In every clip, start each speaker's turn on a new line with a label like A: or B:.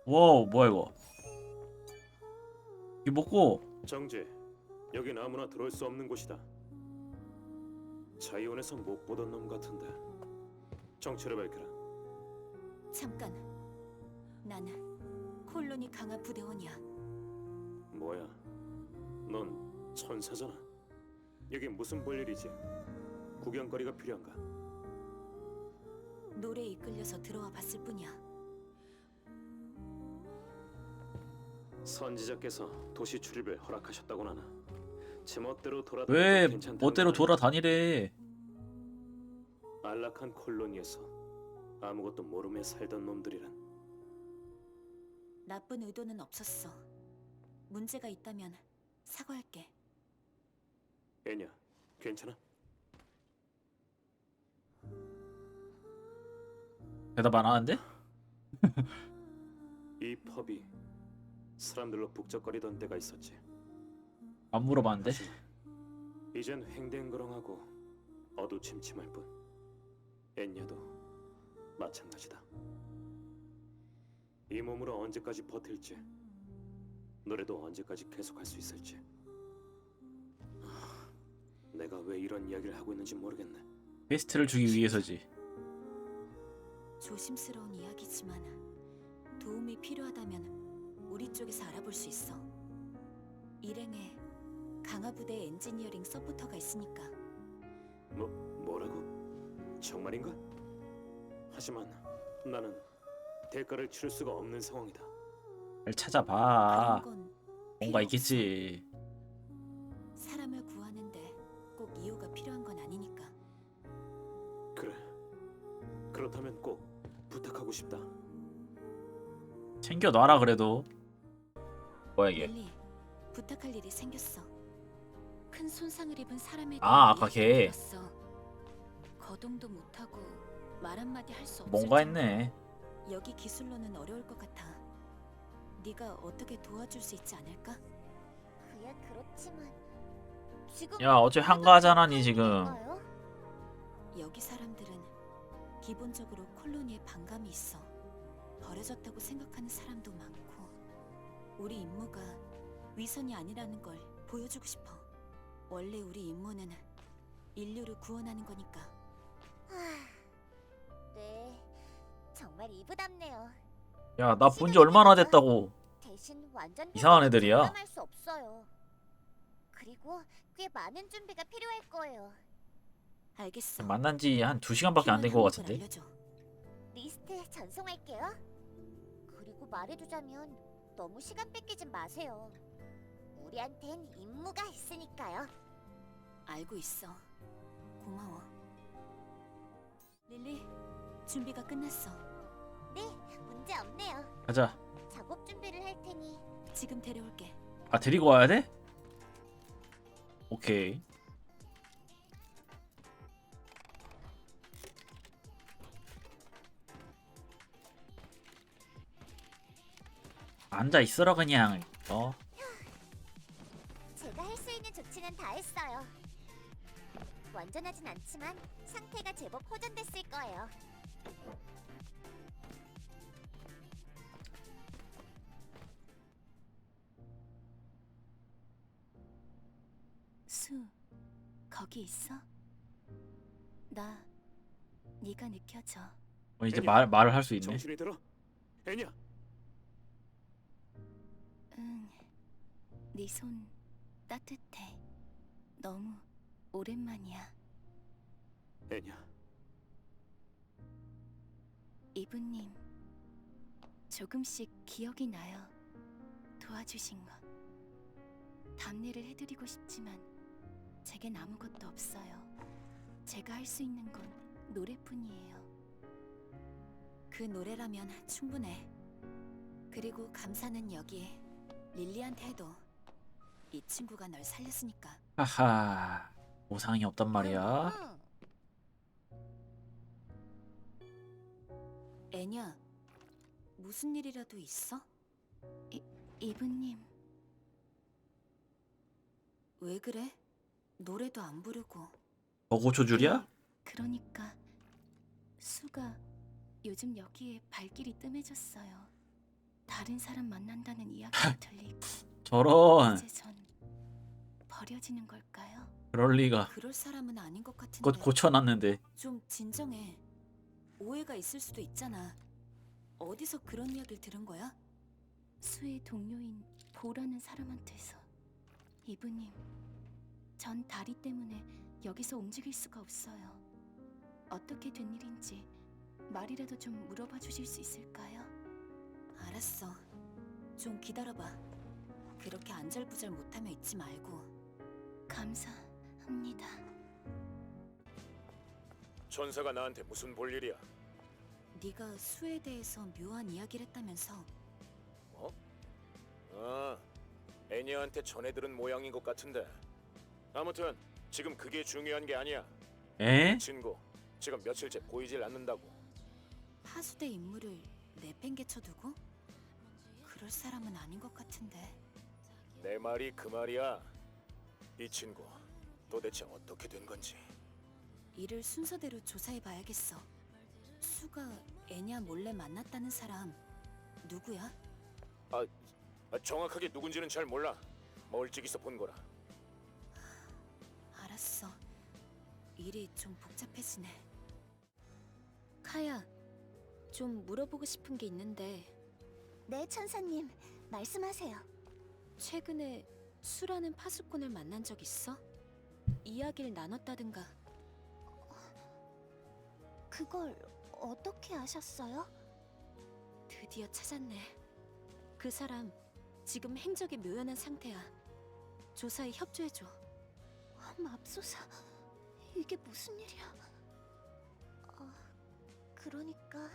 A: 와우, 뭐야 이거? 이거 먹고.
B: 정지. 여긴 아무나 들어올 수 없는 곳이다. 자이온에서 못 보던 놈 같은데. 정체를 밝혀라.
C: 잠깐. 나는 콜로니 강화 부대원이야.
B: 뭐야? 넌 천사잖아. 여기 무슨 볼일이지? 구경거리가 필요한가?
C: 노래에 이끌려서 들어와 봤을 뿐이야.
B: 선지자께서 도시 출입을 허락하셨다고 하나. 제 멋대로
A: 왜
B: 돌아다녀도 괜찮다는
A: 멋대로
B: 거 아니야?
A: 돌아다니래?
B: 안락한 콜로니에서 아무것도 모르며 살던 놈들이란.
C: 나쁜 의도는 없었어. 문제가 있다면 사과할게.
B: 애냐, 괜찮아?
A: 대답 안 하는데?
B: 이 펍이 사람들로 북적거리던 때가 있었지.
A: 안 물어봤는데?
B: 하지만 이젠 횡댕그렁하고 어두침침할 뿐. 엔야도 마찬가지다. 이 몸으로 언제까지 버틸지, 노래도 언제까지 계속할 수 있을지. 내가 왜 이런 이야기를 하고 있는지 모르겠네.
A: 베스트를 주기 위해서지.
C: 조심스러운 이야기지만 도움이 필요하다면 우리 쪽에서 알아볼 수 있어. 일행에 강화 부대 엔지니어링 서포터가 있으니까.
B: 뭐라고? 정말인가? 하지만 나는 대가를 치를 수가 없는 상황이다.
A: 잘 찾아봐.
C: 그런 건
A: 뭔가
C: 필요
A: 있겠지.
C: 없어. 사람을 구하는데 꼭 이유가 필요한 건 아니니까.
B: 그래. 그렇다면 꼭 부탁하고 싶다.
A: 챙겨놔라 그래도. 뭐야 이게?
C: 릴리, 부탁할 일이 생겼어. 큰 손상을 입은 사람에 대한
A: 아까
C: 이야기를
A: 걔.
C: 들었어. 거동도 못하고 말 한마디 할 수 없을
A: 뭔가
C: 정도로
A: 했네.
C: 여기 기술로는 어려울 것 같아. 네가 어떻게 도와줄 수 있지 않을까?
D: 그야 그렇지만 지금
A: 야, 어째 한가하잖아니 지금.
D: 건가요?
C: 여기 사람들은 기본적으로 콜로니에 반감이 있어. 버려졌다고 생각하는 사람도 많고. 우리 임무가 위선이 아니라는 걸 보여주고 싶어. 원래 우리 임무는 인류를 구원하는 거니까.
D: 네, 정말 이부답네요.
A: 야, 나 본 지 얼마나 됐다고.
D: 대신 완전
A: 이상한 애들이야.
D: 장담할 수 없어요. 그리고 꽤 많은 준비가 필요할 거예요.
C: 알겠어.
A: 만난 지 한 2시간밖에 안 된 것
C: 필요한
A: 같은데.
C: 항목을 알려줘.
D: 리스트 전송할게요. 그리고 말해두자면 너무 시간 뺏기지 마세요. 우리한텐 임무가 있으니까요.
C: 알고 있어. 고마워. 릴리, 준비가 끝났어.
D: 네, 문제 없네요.
A: 가자.
D: 작업 준비를 할 테니
C: 지금 데려올게.
A: 아, 데리고 와야 돼? 오케이. 앉아 있어라 그냥.
D: 제가 할 수 있는 조치는 다 했어요. 완전하진 않지만 상태가 제법 호전됐을 거예요.
C: 수, 거기 있어? 나 네가 느껴져.
A: 이제
B: 애냐?
A: 말을 할 수 있네.
B: 정신이 들어? 애냐?
C: 응, 네 손 따뜻해. 너무 오랜만이야.
B: 애냐?
C: 이브님, 조금씩 기억이 나요. 도와주신 거. 답례를 해드리고 싶지만 제겐 아무것도 없어요. 제가 할 수 있는 건 노래뿐이에요. 그 노래라면 충분해. 그리고 감사는 여기 릴리한테 해도. 이 친구가 널 살렸으니까.
A: 하하. 보상이 없단 말이야.
C: 애냐, 무슨 일이라도 있어? 이브님. 왜 그래? 노래도 안 부르고.
A: 더 고쳐줄이야?
C: 그러니까 수가 요즘 여기에 발길이 뜸해졌어요. 다른 사람 만난다는 이야기가 들리고
A: 저런.
C: 이제 전 버려지는 걸까요?
A: 그럴 리가.
C: 그럴 사람은 아닌 것 같은데.
A: 그것 고쳐놨는데.
C: 좀 진정해. 오해가 있을 수도 있잖아. 어디서 그런 이야기를 들은 거야? 수의 동료인 보라는 사람한테서. 이브님, 전 다리 때문에 여기서 움직일 수가 없어요. 어떻게 된 일인지 말이라도 좀 물어봐 주실 수 있을까요? 알았어. 좀 기다려봐. 그렇게 안절부절 못하며 있지 말고. 감사합니다.
B: 전사가 나한테 무슨 볼일이야?
C: 네가 수에 대해서 묘한 이야기를 했다면서.
B: 아, 애니한테 전해들은 모양인 것 같은데. 아무튼 지금 그게 중요한 게 아니야.
A: 에?
B: 친구, 지금 며칠째 보이질 않는다고.
C: 하수대 인물을 내팽개쳐두고? 그럴 사람은 아닌 것 같은데.
B: 내 말이 그 말이야. 이 친구, 도대체 어떻게 된 건지.
C: 이를 순서대로 조사해봐야겠어. 수가 애냐 몰래 만났다는 사람 누구야?
B: 정확하게 누군지는 잘 몰라. 멀찍이서 본 거라.
C: 알았어. 일이 좀 복잡해지네. 카야, 좀 물어보고 싶은 게 있는데
D: 네, 천사님. 말씀하세요.
C: 최근에 수라는 파수꾼을 만난 적 있어? 이야기를 나눴다든가.
D: 그걸 어떻게 아셨어요?
C: 드디어 찾았네. 그 사람 지금 행적이 묘연한 상태야. 조사에 협조해줘.
D: 맙소사, 이게 무슨 일이야? 그러니까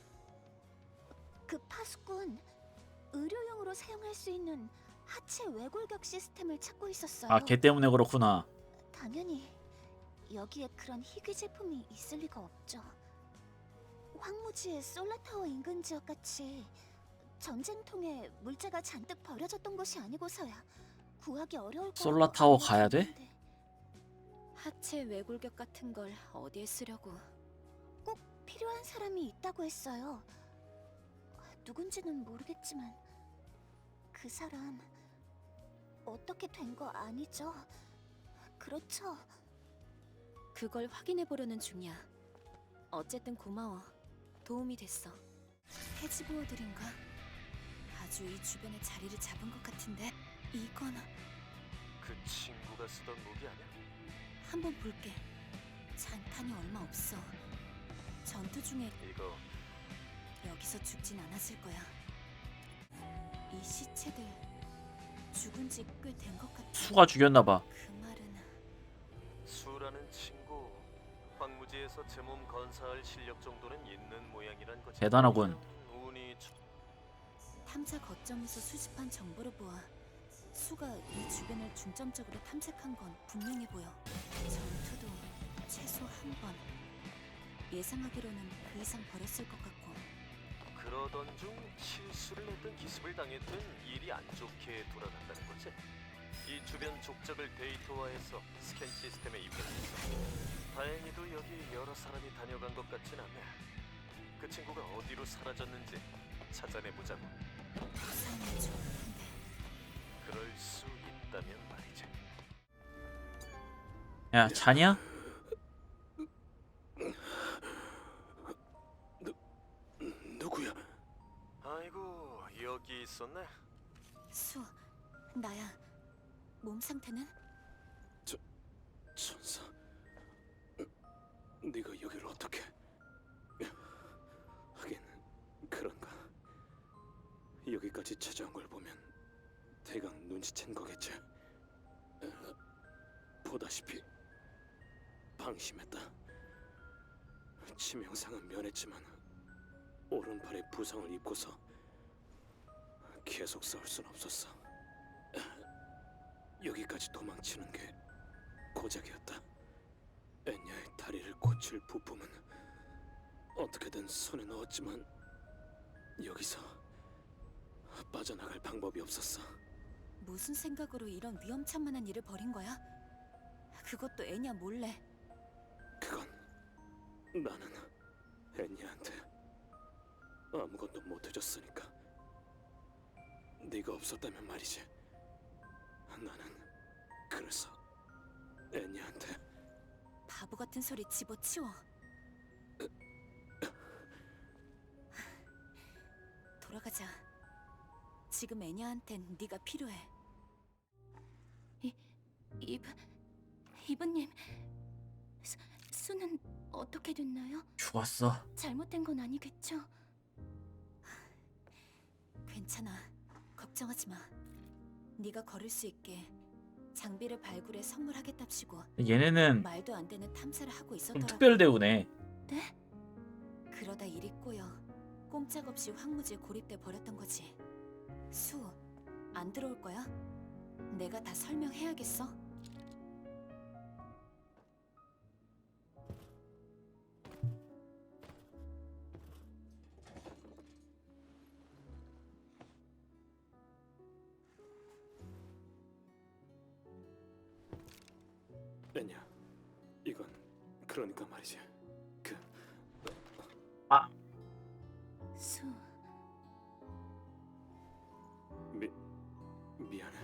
D: 그 파수꾼 의료용으로 사용할 수 있는 하체 외골격 시스템을 찾고 있었어요.
A: 아, 걔 때문에 그렇구나.
D: 당연히 여기에 그런 희귀 제품이 있을 리가 없죠. 황무지의 솔라타워 인근 지역 같이 전쟁통에 물자가 잔뜩 버려졌던 곳이 아니고서야 구하기 어려울 거라고
A: 솔라타워 가야 돼?
D: 생각했는데
C: 하체 외골격 같은 걸 어디에 쓰려고?
D: 꼭 필요한 사람이 있다고 했어요. 누군지는 모르겠지만 그 사람 어떻게 된 거 아니죠? 그렇죠?
C: 그걸 확인해 보려는 중이야. 어쨌든 고마워. 도움이 됐어. 해지보어들인가? 아주 이 주변에 자리를 잡은 것 같은데. 이건
E: 그 친구가 쓰던 무기 아니야?
C: 한번 볼게. 잔탄이 얼마 없어. 전투 중에
E: 이거
C: 여기서 죽진 않았을 거야. 이 시체들 죽은 지 꽤 된 것 같아.
A: 수가 죽였나봐.
C: 그 말은
E: 수라는 친구 황무지에서 제 몸 건사할 실력 정도는 있는 모양이란 거지.
A: 대단하군.
E: 운이
C: 탐사 거점에서 수집한 정보를 보아 수가 이 주변을 중점적으로 탐색한 건 분명해 보여. 전투도 최소 한 번. 예상하기로는 그 이상 벌였을 것 같고.
E: 그러던 중 실수를 했던 기습을 당했던 일이 안 좋게 돌아간다는 거지. 이 주변 족적을 데이터화해서 스캔 시스템에 입력했어. 다행히도 여기 여러 사람이 다녀간 것 같진 않네. 그 친구가 어디로 사라졌는지 찾아내보자고.
C: 부상이 좋은데.
E: 그럴 수 있다면 말이지.
A: 야, 자냐?
B: 누구야?
E: 아이고 여기 있었네.
C: 수, 나야. 몸 상태는?
B: 천사, 네가 여기를 어떻게? 하긴 그런가. 여기까지 찾아온 걸 보면 대강 눈치챈 거겠지. 보다시피 방심했다. 치명상은 면했지만 오른팔에 부상을 입고서 계속 싸울 순 없었어. 여기까지 도망치는 게 고작이었다. 엔야의 다리를 고칠 부품은 어떻게든 손에 넣었지만 여기서 빠져나갈 방법이 없었어.
C: 무슨 생각으로 이런 위험천만한 일을 벌인 거야? 그것도 애냐 몰래.
B: 그건 나는 엔야한테 아무것도 못 해줬으니까. 네가 없었다면 말이지. 나는 그래서 애니한테
C: 바보 같은 소리 집어치워. 돌아가자. 지금 애냐한텐 네가 필요해.
D: 이브님, 수는 어떻게 됐나요?
A: 죽었어.
D: 잘못된 건 아니겠죠?
C: 괜찮아. 걱정하지 마. 네가 걸을 수 있게 장비를 발굴해 선물하겠답시고
A: 얘네는
C: 말도 안 되는 탐사를 하고
A: 좀
C: 있었더라고.
A: 특별 대우네.
C: 그러다 일이 꼬여 꼼짝없이 황무지에 고립돼 버렸던 거지. 수, 안 들어올 거야? 내가 다 설명해야겠어?
B: 애냐. 이건 그러니까 말이지.
D: 수,
B: 미안해.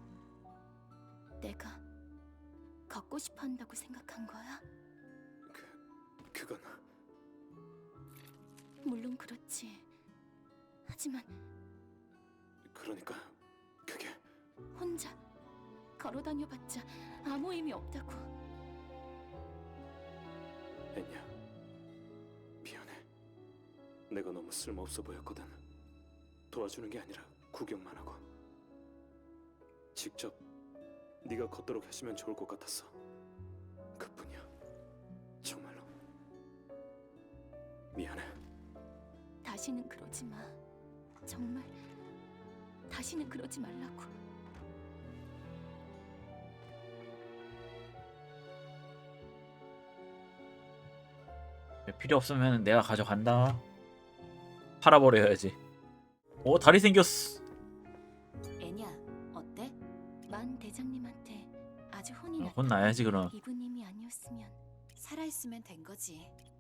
D: 내가 걷고 싶어 한다고 생각한 거야?
B: 그건
D: 물론 그렇지. 하지만
B: 그러니까 그게
D: 혼자 걸어 다녀봤자 아무 의미 없다고.
B: 애냐. 미안해. 내가 너무 쓸모없어 보였거든. 도와주는 게 아니라 구경만 하고. 직접 네가 걷도록 하시면 좋을 것 같았어. 그뿐이야. 정말로. 미안해.
D: 다시는 그러지 마. 정말 다시는 그러지 말라고.
A: 필요 없으면 내가 가져간다. 팔아버려야지. 오, 다리 생겼어.
C: 애냐, 어때?
D: 만 대장님한테 아주 혼이 났다.
A: 혼나야지 그럼.
D: 이브님이 아니었으면
C: 살아있으면 된 거지.